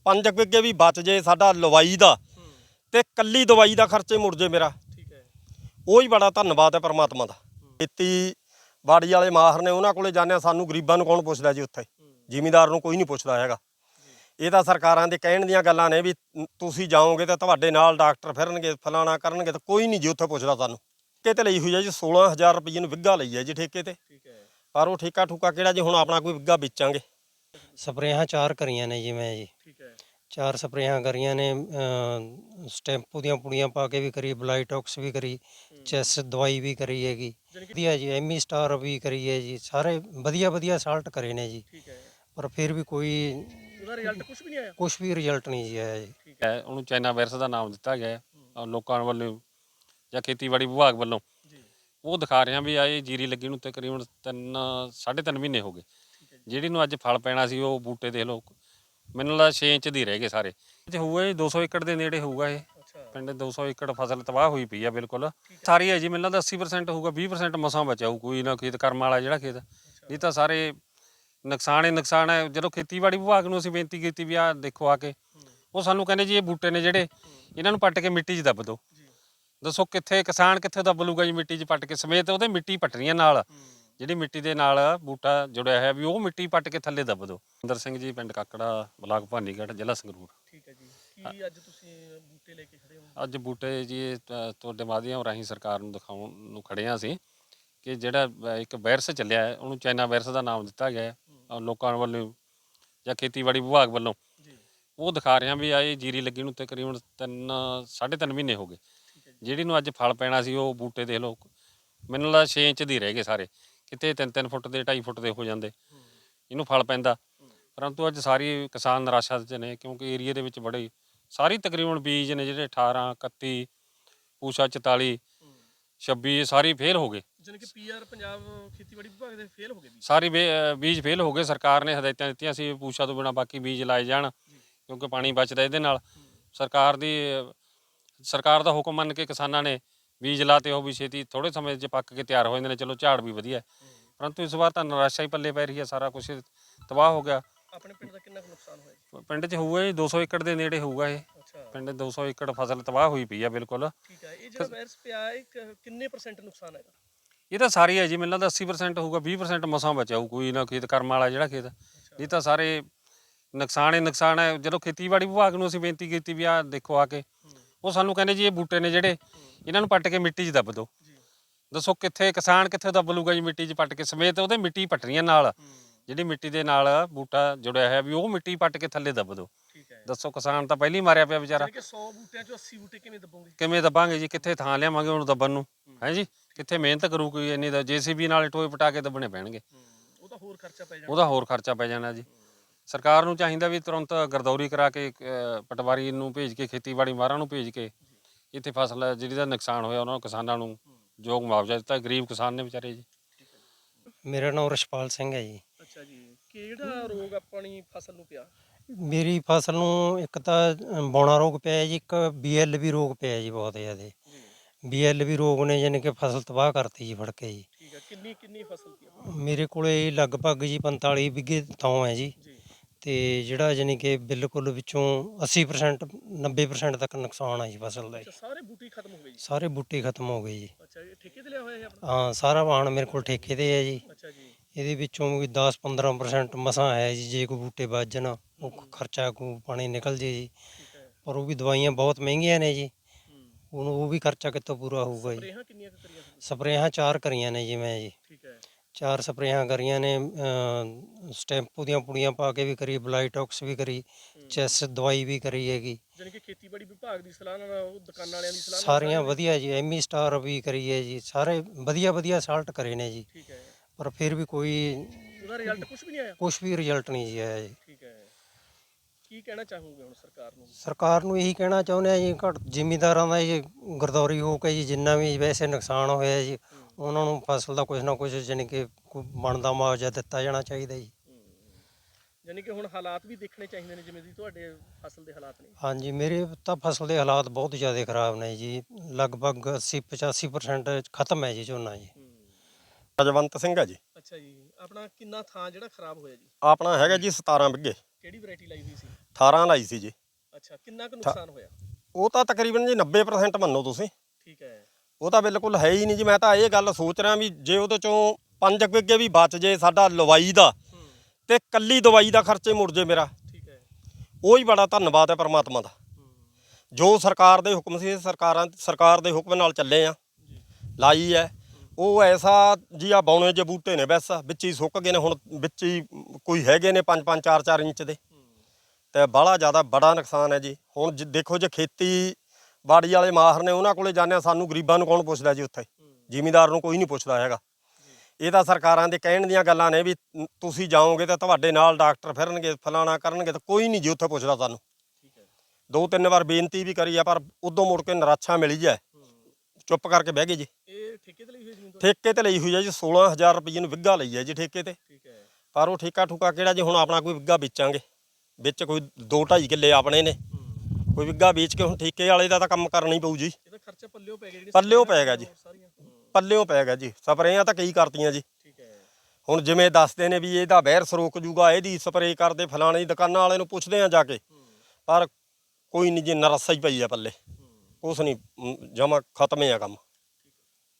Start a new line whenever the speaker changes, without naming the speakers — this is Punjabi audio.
5 ਵਿਗੇ ਵੀ ਬਚ ਜੇ ਸਾਡਾ ਲਵਾਈ ਦਾ ਤੇ ਕੱਲੀ ਦਵਾਈ ਦਾ ਖਰਚੇ ਮੁੜ ਜੇ ਮੇਰਾ,
ਠੀਕ ਹੈ,
ਉਹ ਹੀ ਬੜਾ ਧੰਨਵਾਦ ਹੈ ਪਰਮਾਤਮਾ ਦਾ। ਖੇਤੀ ਬਾੜੀ ਵਾਲੇ ਮਾਹਰ ਨੇ, ਉਹਨਾਂ ਕੋਲੇ ਜਾਂਦੇ, ਸਾਨੂੰ ਗਰੀਬਾਂ ਨੂੰ ਕੌਣ ਪੁੱਛਦਾ ਜੀ? ਉੱਥੇ ਜ਼ਿਮੀਂਦਾਰ ਨੂੰ ਕੋਈ ਨਹੀਂ ਪੁੱਛਦਾ ਹੈਗਾ। ਇਹ ਤਾਂ ਸਰਕਾਰਾਂ ਦੇ ਕਹਿਣ ਦੀਆਂ ਗੱਲਾਂ ਨੇ ਵੀ ਤੁਸੀਂ ਜਾਓਗੇ ਤਾਂ ਤੁਹਾਡੇ ਨਾਲ ਡਾਕਟਰ ਫਿਰਨਗੇ, ਫਲਾਣਾ ਕਰਨਗੇ, ਤਾਂ ਕੋਈ ਨਹੀਂ ਜੀ ਉੱਥੇ ਪੁੱਛਦਾ ਸਾਨੂੰ। ਠੇਕੇ ਤੇ ਲਈ ਹੋਈ ਹੈ ਜੀ, 16,000 ਰੁਪਏ ਨੂੰ ਵਿੱਗਾ ਲਈ ਹੈ ਜੀ ਠੇਕੇ ਤੇ। ਪਰ ਉਹ ਠੇਕਾ ਠੂਕਾ ਕਿਹੜਾ ਜੀ, ਹੁਣ ਆਪਣਾ ਕੋਈ ਵਿੱਗਾ ਵੇਚਾਂਗੇ।
ਸਪਰੇਹਾਂ 4 ਕਰੀਆਂ ਨੇ ਜੀ ਮੈਂ ਜੀ,
ਠੀਕ ਹੈ,
4 ਸਪਰੇਹਾਂ ਕਰੀਆਂ ਨੇ। ਸਟੈਂਪੂ ਦੀਆਂ ਪੁੜੀਆਂ ਪਾ ਕੇ ਵੀ ਕਰੀ, ਬਲਾਈਟੌਕਸ ਵੀ ਕਰੀ, ਚੈਸ ਦਵਾਈ ਵੀ ਕਰੀ ਹੈਗੀ ਵਧੀਆ ਜੀ, ਐਮੀ ਸਟਾਰ ਵੀ ਕਰੀ ਹੈ ਜੀ। ਸਾਰੇ ਵਧੀਆ ਸਾਲਟ ਕਰੇ ਨੇ ਜੀ,
ਠੀਕ ਹੈ।
ਪਰ ਫਿਰ ਵੀ ਕੋਈ
ਉਹਦਾ ਰਿਜ਼ਲਟ ਕੁਝ ਵੀ ਨਹੀਂ ਆਇਆ?
ਕੁਝ ਵੀ ਰਿਜ਼ਲਟ ਨਹੀਂ ਜੀ ਆਇਆ ਜੀ।
ਠੀਕ ਹੈ,
ਉਹਨੂੰ ਚਾਈਨਾ ਵਾਇਰਸ ਦਾ ਨਾਮ ਦਿੱਤਾ ਗਿਆ ਹੈ ਲੋਕਾਂ ਵੱਲੋਂ ਜਾਂ ਖੇਤੀਬਾੜੀ ਵਿਭਾਗ ਵੱਲੋਂ।
ਜੀ,
ਉਹ ਦਿਖਾ ਰਿਹਾ ਵੀ ਆਏ ਜੀਰੀ ਲੱਗੀ ਨੂੰ ਤਕਰੀਬਨ 3.5 ਮਹੀਨੇ ਹੋ ਗਏ। ਜਿਹੜੀ ਨੂੰ ਅੱਜ ਫਲ ਪੈਣਾ ਸੀ, ਉਹ ਬੂਟੇ ਦੇਖ ਲਓ, ਮੈਨੂੰ ਲੱਗਦਾ 6 ਇੰਚ ਦੀ ਰਹਿ ਗਏ ਸਾਰੇ। ਇਹ ਹੋਊਗਾ ਜੀ 200 ਏਕੜ ਦੇ ਨੇੜੇ ਹੋਊਗਾ ਇਹ ਪਿੰਡ। 200 ਏਕੜ ਫਸਲ ਤਬਾਹ ਹੋਈ ਪਈ ਆ ਬਿਲਕੁਲ ਸਾਰੀ ਹੈ ਜੀ। ਮੈਨੂੰ ਲੱਗਦਾ 80% ਹੋਊਗਾ, 20% ਮਸਾਂ ਬਚਾਊ ਕੋਈ ਨਾ ਖੇਤ ਕਰਮ ਵਾਲਾ ਜਿਹੜਾ ਖੇਤ, ਨਹੀਂ ਤਾਂ ਸਾਰੇ ਨੁਕਸਾਨ ਹੀ ਨੁਕਸਾਨ ਹੈ। ਜਦੋਂ ਖੇਤੀਬਾੜੀ ਵਿਭਾਗ ਨੂੰ ਅਸੀਂ ਬੇਨਤੀ ਕੀਤੀ ਵੀ ਆਹ ਦੇਖੋ ਆ ਕੇ, ਉਹ ਸਾਨੂੰ ਕਹਿੰਦੇ ਜੀ ਇਹ ਬੂਟੇ ਨੇ ਜਿਹੜੇ, ਇਹਨਾਂ ਨੂੰ ਪੱਟ ਕੇ ਮਿੱਟੀ 'ਚ ਦੱਬ ਦਿਓ। ਦੱਸੋ ਕਿੱਥੇ ਕਿਸਾਨ ਕਿੱਥੇ ਦੱਬ ਲੂਗਾ ਜੀ ਮਿੱਟੀ 'ਚ ਪੱਟ ਕੇ, ਸਮੇਤ ਉਹਦੇ ਮਿੱਟੀ ਪੱਟਣੀਆਂ ਨਾਲ, ਜਿਹੜੀ ਮਿੱਟੀ ਦੇ ਨਾਲ ਬੂਟਾ ਜੁੜਿਆ ਹੋਇਆ ਵੀ ਉਹ ਮਿੱਟੀ ਪੱਟ ਕੇ ਥੱਲੇ ਦੱਬ ਦਿਓ। ਇੰਦਰ ਸਿੰਘ ਜੀ, ਪਿੰਡ ਕਾਕੜਾ, ਬਲਾਕ ਭਾਨੀਗੜ੍ਹ, ਜ਼ਿਲ੍ਹਾ ਸੰਗਰੂਰ।
ਠੀਕ ਹੈ ਜੀ। ਕੀ ਅੱਜ ਤੁਸੀਂ ਬੂਟੇ ਲੈ ਕੇ ਖੜੇ ਹੋ?
ਅੱਜ ਬੂਟੇ ਜੀ ਤੁਹਾਡੇ ਮਾਧਿਅਮ ਰਾਹੀਂ ਸਰਕਾਰ ਨੂੰ ਦਿਖਾਉਣ ਨੂੰ ਖੜੇ ਹਾਂ ਅਸੀਂ, ਕਿ ਜਿਹੜਾ ਇੱਕ ਵਾਇਰਸ ਚੱਲਿਆ ਹੈ, ਉਹਨੂੰ ਚਾਈਨਾ ਵਾਇਰਸ ਦਾ ਨਾਮ ਦਿੱਤਾ ਗਿਆ ਹੈ ਲੋਕਾਂ ਵੱਲੋਂ ਜਾਂ ਖੇਤੀਬਾੜੀ ਵਿਭਾਗ ਵੱਲੋਂ। ਉਹ ਦਿਖਾ ਰਿਹਾ ਵੀ ਆਏ ਜੀਰੀ ਲੱਗੀ ਨੂੰ ਤਕਰੀਬਨ 3.5 ਮਹੀਨੇ ਹੋ ਗਏ। ਜਿਹੜੀ ਨੂੰ ਅੱਜ ਫਲ ਪੈਣਾ ਸੀ, ਉਹ ਬੂਟੇ ਦੇਖ ਲਓ, ਮੈਨੂੰ ਲੱਗਦਾ 6 ਇੰਚ ਦੀ ਰਹਿ ਗਏ ਸਾਰੇ, ਕਿਤੇ 3-3 ਫੁੱਟ ਦੇ 2.5 ਫੁੱਟ ਦੇ ਹੋ ਜਾਂਦੇ ਇਹਨੂੰ ਫਲ ਪੈਂਦਾ। ਪਰੰਤੂ ਅੱਜ ਸਾਰੀ ਕਿਸਾਨ ਨਿਰਾਸ਼ਾ 'ਚ ਨੇ, ਕਿਉਂਕਿ ਏਰੀਏ ਦੇ ਵਿੱਚ ਬੜੇ ਸਾਰੀ ਤਕਰੀਬਨ ਬੀਜ ਨੇ ਜਿਹੜੇ 18, 31, ਪੂਸ਼ਾ 44, 26, ਇਹ ਸਾਰੀ ਫੇਲ ਹੋ ਗਏ।
ਜਾਨੀ ਕਿ ਪੀਆਰ ਪੰਜਾਬ ਖੇਤੀਬਾੜੀ ਵਿਭਾਗ ਦੇ ਫੇਲ ਹੋ ਗਏ ਜੀ?
ਸਾਰੇ ਬੀਜ ਫੇਲ ਹੋ ਗਏ। ਸਰਕਾਰ ਨੇ ਹਦਾਇਤਾਂ ਦਿੱਤੀਆਂ ਸੀ ਪੂਸ਼ਾ ਤੋਂ ਬਿਨਾਂ ਬਾਕੀ ਬੀਜ ਲਾਏ ਜਾਣ, ਕਿਉਂਕਿ ਪਾਣੀ ਬਚਦਾ ਇਹਦੇ ਨਾਲ। ਸਰਕਾਰ ਦਾ ਹੁਕਮ ਮੰਨ ਕੇ ਕਿਸਾਨਾਂ ਨੇ ਬੀਜ ਲਾਤੇ, ਉਹ ਵੀ ਛੇਤੀ ਥੋੜ੍ਹੇ ਸਮੇਂ 'ਚ ਪੱਕ ਕੇ ਤਿਆਰ ਹੋ ਜਾਂਦੇ ਨੇ। ਚਲੋ ਝਾੜ ਵੀ ਵਧੀਆ, ਪਰੰਤੂ ਇਸ ਵਾਰ ਤਾਂ ਨਿਰਾਸ਼ਾ ਹੀ ਪੱਲੇ ਪੈ ਰਹੀ ਹੈ, ਸਾਰਾ ਕੁਛ ਤਬਾਹ ਹੋ ਗਿਆ।
ਆਪਣੇ ਪਿੰਡ ਦਾ ਕਿੰਨਾ ਕੁ ਨੁਕਸਾਨ ਹੋਇਆ ਜੀ?
ਪਿੰਡ 'ਚ ਹੋਊਗਾ ਜੀ 200 ਏਕੜ ਦੇ ਨੇੜੇ ਹੋਊਗਾ ਇਹ ਪਿੰਡ। 200 ਏਕੜ ਫਸਲ ਤਬਾਹ ਹੋਈ ਪਈ ਆ ਬਿਲਕੁਲ।
ਠੀਕ ਹੈ। ਇਹ ਜਿਹੜਾ ਵਾਇਰਸ ਪਿਆ, ਇਹ ਕਿੰਨੇ % ਨੁਕਸਾਨ ਹੈਗਾ?
ਇਹ ਤਾਂ ਸਾਰੀ ਹੈ ਜੀ, ਮੈਨੂੰ ਲੱਗਦਾ 80% ਹੋਊਗਾ, 20% ਮਸਾਂ ਬਚਾਊ ਕੋਈ ਨਾ ਖੇਤ ਕਰਮ ਵਾਲਾ ਜਿਹੜਾ ਖੇਤ, ਨਹੀਂ ਤਾਂ ਸਾਰੇ ਨੁਕਸਾਨ ਹੀ ਨੁਕਸਾਨ ਹੈ। ਜਦੋਂ ਖੇਤੀਬਾੜੀ ਵਿਭਾਗ ਨੂੰ ਅਸੀਂ ਬੇਨਤੀ ਕੀਤੀ ਵੀ ਆਹ ਦੇਖੋ ਆ ਕੇ, ਉਹ ਸਾਨੂੰ ਕਹਿੰਦੇ ਜੀ ਇਹ ਬੂਟੇ ਨੇ ਜਿਹੜੇ, ਇਹਨਾਂ ਨੂੰ ਪੱਟ ਕੇ ਮਿੱਟੀ 'ਚ ਦੱਬ ਦਿਓ। ਦੱਸੋ ਕਿੱਥੇ ਕਿਸਾਨ ਕਿੱਥੇ ਦੱਬ ਲੂਗਾ ਜੀ ਮਿੱਟੀ 'ਚ ਪੱਟ ਕੇ, ਸਮੇਤ ਉਹਦੇ ਮਿੱਟੀ ਪੱਟਣੀਆਂ ਨਾਲ, ਜਿਹੜੀ ਮਿੱਟੀ ਦੇ ਨਾਲ ਬੂਟਾ ਜੁੜਿਆ ਹੋਇਆ ਵੀ ਉਹ ਮਿੱਟੀ ਪੱਟ ਕੇ ਥੱਲੇ ਦੱਬ ਦਿਓ। ਦੱਸੋ ਕਿਸਾਨ ਤਾਂ ਪਹਿਲਾਂ ਹੀ ਮਾਰਿਆ ਪਿਆ ਵਿਚਾਰਾ।
100 ਬੂਟਿਆਂ 'ਚੋਂ 80 ਬੂਟੇ ਕਿਵੇਂ ਦੱਬੋਗੇ?
ਕਿਵੇਂ ਦੱਬਾਂਗੇ ਜੀ, ਕਿੱਥੇ ਥਾਂ ਲਿਆਵਾਂਗੇ ਉਹਨੂੰ ਦੱਬਣ ਨੂੰ, ਹੈ ਜੀ? ਕਿੱਥੇ ਮਿਹਨਤ ਕਰੂ ਕੋਈ ਇੰਨੀ? ਦਾ JCB ਨਾਲ ਟੋਏ ਪਟਾ ਕੇ ਦੱਬਣੇ ਪੈਣਗੇ,
ਉਹਦਾ ਹੋਰ ਖਰਚਾ ਪੈ ਜਾਣਾ।
ਉਹਦਾ ਹੋਰ ਖਰਚਾ ਪੈ ਜਾਣਾ ਜੀ। ਸਰਕਾਰ ਨੂੰ ਚਾਹੀਦਾ ਵੀ ਤੁਰੰਤ ਗਰਦੌਰੀ ਕਰਾ ਕੇ ਪਟਵਾਰੀ ਨੂੰ ਭੇਜ ਕੇ, ਖੇਤੀਬਾੜੀ ਮਾਹਰਾਂ ਨੂੰ ਭੇਜ ਕੇ, ਇੱਥੇ ਫਸਲ ਜਿਹੜੀ ਦਾ ਨੁਕਸਾਨ ਹੋਇਆ ਉਹਨਾਂ ਨੂੰ, ਕਿਸਾਨਾਂ ਨੂੰ ਯੋਗ ਮੁਆਵਜ਼ਾ ਦਿੱਤਾ। ਗਰੀਬ ਕਿਸਾਨ ਨੇ ਵਿਚਾਰੇ ਜੀ।
ਮੇਰਾ ਨਾਮ ਰਛਪਾਲ ਸਿੰਘ ਹੈ ਜੀ।
ਅੱਛਾ ਜੀ। ਕਿਹੜਾ ਰੋਗ ਆਪਣੀ ਫਸਲ ਨੂੰ ਪਿਆ?
ਮੇਰੀ ਫਸਲ ਨੂੰ ਇੱਕ ਤਾਂ ਬੌਣਾ ਰੋਗ ਪਿਆ ਜੀ, ਇੱਕ BLV ਰੋਗ ਪਿਆ ਜੀ, ਬਹੁਤ ਜ਼ਿਆਦਾ। BLV ਰੋਗ ਨੇ ਯਾਨੀ ਕਿ ਫਸਲ ਤਬਾਹ ਕਰਤੀ ਜੀ ਫੜ ਕੇ ਜੀ।
ਠੀਕ ਹੈ। ਕਿੰਨੀ ਫਸਲ ਪਈ?
ਮੇਰੇ ਕੋਲੇ ਲਗਭਗ ਜੀ 45 ਵਿਗੇ ਥਾਂ ਹੈ ਜੀ, ਤੇ ਜਿਹੜਾ ਯਾਨੀ ਕਿ ਬਿਲਕੁਲ ਵਿੱਚੋਂ 80% 90% ਤੱਕ ਨੁਕਸਾਨ ਆ ਜੀ ਫਸਲ ਦਾ।
ਸਾਰੇ ਬੂਟੇ ਖਤਮ ਹੋ ਗਏ ਜੀ? ਸਾਰੇ
ਬੂਟੇ ਖਤਮ ਹੋ ਗਏ ਜੀ।
ਅੱਛਾ। ਇਹ ਠੇਕੇ ਤੇ ਲਿਆ ਹੋਇਆ ਹੈ ਆਪਣਾ?
ਹਾਂ, ਸਾਰਾ ਵਾਹਣ ਮੇਰੇ ਕੋਲ ਠੇਕੇ ਤੇ ਹੈ ਜੀ।
ਅੱਛਾ ਜੀ।
ਇਹਦੇ ਵਿੱਚੋਂ ਵੀ 10-15% ਮਸਾਂ ਹੈ ਜੀ, ਜੇ ਕੋਈ ਬੂਟੇ ਵੱਧ ਜਾਣ, ਉਹ ਖਰਚਾ ਕੋਈ ਪਾਣੀ ਨਿਕਲ ਜੇ ਜੀ। ਪਰ ਉਹ ਵੀ ਦਵਾਈਆਂ ਬਹੁਤ ਮਹਿੰਗੀਆਂ ਨੇ ਜੀ, ਉਹ ਵੀ ਖਰਚਾ ਕਿੱਥੋਂ ਪੂਰਾ ਹੋਊਗਾ ਜੀ।
ਸਪਰੇਹਾਂ ਕਿੰਨੀਆਂ ਕਰੀਆਂ?
ਸਪਰੇਹਾਂ 4 ਕਰੀਆਂ ਨੇ ਜੀ ਮੈਂ ਜੀ।
ਠੀਕ ਹੈ।
4 ਸਪਰੇਹਾਂ ਕਰੀਆਂ ਨੇ। ਸਟੈਂਪੂ ਦੀਆਂ ਪੁੜੀਆਂ ਪਾ ਕੇ ਵੀ ਕਰੀ, ਬਲਾਈਟੌਕਸ ਵੀ ਕਰੀ, ਚੈਸ ਦਵਾਈ ਵੀ ਕਰੀ ਹੈਗੀ।
ਜਾਨੀ ਕਿ ਖੇਤੀਬਾੜੀ ਵਿਭਾਗ ਦੀ ਸਲਾਹ ਨਾਲ, ਉਹ ਦੁਕਾਨਾਂ ਵਾਲਿਆਂ ਦੀ ਸਲਾਹ ਨਾਲ
ਸਾਰੀਆਂ ਵਧੀਆ ਜੀ, ਐਮੀ ਸਟਾਰ ਵੀ ਕਰੀ ਹੈ ਜੀ, ਸਾਰੇ ਵਧੀਆ ਸਾਲਟ ਕਰੇ ਨੇ ਜੀ।
ਠੀਕ ਹੈ।
ਪਰ ਫਿਰ ਵੀ ਕੋਈ
ਉਹਦਾ ਰਿਜ਼ਲਟ ਕੁਝ ਵੀ ਨਹੀਂ ਆਇਆ?
ਕੁਛ ਵੀ ਰਿਜ਼ਲਟ ਨਹੀਂ ਜੀ ਆਇਆ ਜੀ।
ਠੀਕ ਹੈ। ਕੀ ਕਹਿਣਾ ਚਾਹੋਗੇ ਹੁਣ ਸਰਕਾਰ ਨੂੰ?
ਸਰਕਾਰ ਨੂੰ ਇਹੀ ਕਹਿਣਾ ਚਾਹੁੰਦੇ ਆ ਜੀ, ਜ਼ਿਮੀਂਦਾਰਾਂ ਦਾ ਜੀ ਗਰਦੌਰੀ ਹੋ ਕੇ ਜੀ, ਜਿੰਨਾ ਵੀ ਵੈਸੇ ਨੁਕਸਾਨ ਹੋਇਆ ਜੀ, ਉਹਨਾਂ ਨੂੰ ਫਸਲ ਦਾ ਕੁਝ ਨਾ ਕੁਝ ਜਾਣੀ ਕਿ ਬਣਦਾ ਮੁਆਵਜ਼ਾ ਦਿੱਤਾ ਜਾਣਾ ਚਾਹੀਦਾ ਜੀ।
ਜਾਨੀ ਕਿ ਹੁਣ ਹਾਲਾਤ ਵੀ ਦੇਖਣੇ ਚਾਹੀਦੇ ਨੇ, ਜਿਵੇਂ ਦੀ ਤੁਹਾਡੇ ਫਸਲ ਦੇ ਹਾਲਾਤ ਨੇ।
ਹਾਂਜੀ, ਮੇਰੇ ਤਾਂ ਫਸਲ ਦੇ ਹਾਲਾਤ ਬਹੁਤ ਜ਼ਿਆਦਾ ਖਰਾਬ ਨੇ ਜੀ, ਲਗਭਗ 80-85% ਖਤਮ ਹੈ ਜੀ ਝੋਨਾ ਜੀ।
ਰਜਵੰਤ ਸਿੰਘ ਹੈ ਜੀ।
ਅੱਛਾ ਜੀ। ਆਪਣਾ ਕਿੰਨਾ ਥਾਂ ਜਿਹੜਾ ਖਰਾਬ ਹੋਇਆ ਜੀ?
ਆਪਣਾ ਹੈਗਾ ਜੀ 17 ਵਿਗੇ।
ਕਿਹੜੀ ਵੈਰਾਈਟੀ ਲਾਈ ਹੋਈ ਸੀ?
18 ਲਾਈ ਸੀ ਜੀ।
ਅੱਛਾ, ਕਿੰਨਾ ਕੁ ਨੁਕਸਾਨ ਹੋਇਆ?
ਉਹ ਤਾਂ ਤਕਰੀਬਨ ਜੀ 90% ਮੰਨੋ ਤੁਸੀਂ।
ਠੀਕ ਹੈ।
ਉਹ ਤਾਂ ਬਿਲਕੁਲ ਹੈ ਹੀ ਨਹੀਂ ਜੀ। ਮੈਂ ਤਾਂ ਇਹ ਗੱਲ ਸੋਚ ਰਿਹਾ ਵੀ ਜੇ ਉਹਦੇ ਚੋਂ 5 ਵਿਗੇ ਵੀ ਬਚ ਜੇ ਸਾਡਾ ਲਵਾਈ ਦਾ ਤੇ ਕੱਲੀ ਦਵਾਈ ਦਾ ਖਰਚੇ ਮੁੜ ਜੇ ਮੇਰਾ,
ਠੀਕ ਹੈ।
ਉਹ ਹੀ ਬੜਾ ਧੰਨਵਾਦ ਹੈ ਪਰਮਾਤਮਾ ਦਾ। ਜੋ ਸਰਕਾਰ ਦੇ ਹੁਕਮ ਸੀ ਸਰਕਾਰ ਦੇ ਹੁਕਮ ਨਾਲ ਚੱਲੇ ਆ, ਲਾਈ ਹੈ। ਉਹ ਐਸਾ ਜੀ ਆ ਬੌਣੇ ਜੇ ਬੂਟੇ ਨੇ ਬਸ ਵਿੱਚ ਹੀ ਸੁੱਕ ਗਏ ਨੇ, ਹੁਣ ਵਿੱਚ ਹੀ ਕੋਈ ਹੈਗੇ ਨੇ 5-5 4-4 ਇੰਚ ਦੇ, ਤੇ ਬਾਹਲਾ ਜ਼ਿਆਦਾ ਬੜਾ ਨੁਕਸਾਨ ਹੈ ਜੀ। ਹੁਣ ਦੇਖੋ ਜੇ ਖੇਤੀ ਬਾੜੀ ਵਾਲੇ ਮਾਹਰ ਨੇ ਉਹਨਾਂ ਕੋਲੇ ਜਾਂਦੇ ਆ, ਸਾਨੂੰ ਗਰੀਬਾਂ ਨੂੰ ਕੌਣ ਪੁੱਛਦਾ ਜੀ? ਉੱਥੇ ਜ਼ਿਮੀਂਦਾਰ ਨੂੰ ਕੋਈ ਨਹੀਂ ਪੁੱਛਦਾ ਹੈਗਾ। ਇਹ ਤਾਂ ਸਰਕਾਰਾਂ ਦੇ ਕਹਿਣ ਦੀਆਂ ਗੱਲਾਂ ਨੇ ਵੀ ਤੁਸੀਂ ਜਾਓਗੇ ਤਾਂ ਤੁਹਾਡੇ ਨਾਲ ਡਾਕਟਰ ਫਿਰਨਗੇ, ਫਲਾਣਾ ਕਰਨਗੇ, ਤਾਂ ਕੋਈ ਨਹੀਂ ਜੀ ਉੱਥੇ ਪੁੱਛਦਾ ਸਾਨੂੰ। 2-3 ਵਾਰ ਬੇਨਤੀ ਵੀ ਕਰੀ ਆ ਪਰ ਉਦੋਂ ਮੁੜ ਕੇ ਨਿਰਾਸ਼ਾ ਮਿਲੀ ਜਾ, ਚੁੱਪ ਕਰਕੇ ਬਹਿ ਗਏ ਜੀ।
ਇਹ ਠੇਕੇ ਤੇ ਲਈ ਹੋਈ ਜ਼ਮੀਨ?
ਠੇਕੇ ਤੇ ਲਈ ਹੋਈ ਹੈ ਜੀ, 16,000 ਰੁਪਏ ਨੂੰ ਵਿੱਗਾ ਲਈ ਹੈ ਜੀ ਠੇਕੇ ਤੇ।
ਠੀਕ ਹੈ।
ਪਰ ਉਹ ਠੇਕਾ ਠੂਕਾ ਕਿਹੜਾ ਜੀ? ਹੁਣ ਆਪਣਾ ਕੋਈ ਵਿੱਗਾ ਵੇਚਾਂਗੇ, ਵਿੱਚ ਕੋਈ 2-2.5 ਕਿੱਲੇ ਆਪਣੇ ਨੇ, ਕੋਈ ਵਿੱਗਾ ਵੇਚ ਕੇ ਹੁਣ ਠੇਕੇ ਵਾਲੇ ਦਾ ਤਾਂ ਕੰਮ ਕਰਨਾ ਹੀ ਪਊ ਜੀ।
ਇਹਦਾ ਖਰਚਾ ਪੱਲਿਓ ਪੈ ਗਿਆ?
ਪੱਲਿਓ ਪੈ ਗਿਆ ਜੀ, ਪੱਲਿਓ ਪੈ ਗਿਆ ਜੀ। ਸਪਰੇਆਂ ਤਾਂ ਕਈ ਕਰਤੀਆਂ ਜੀ।
ਠੀਕ ਹੈ।
ਹੁਣ ਜਿਵੇਂ ਦੱਸਦੇ ਨੇ ਵੀ ਇਹਦਾ ਵਾਇਰਸ ਰੋਕ ਜੂਗਾ, ਇਹਦੀ ਸਪਰੇਅ ਕਰਦੇ, ਫਲਾਣੇ ਦੀ ਦੁਕਾਨਾਂ ਵਾਲੇ ਨੂੰ ਪੁੱਛਦੇ ਆ ਜਾ ਕੇ, ਪਰ ਕੋਈ ਨਹੀਂ ਜੀ, ਨਰਸਾ ਹੀ ਪਈ ਆ ਪੱਲੇ, ਕੁਛ ਨਹੀਂ, ਜਮਾ ਖਤਮ ਹੈ ਕੰਮ।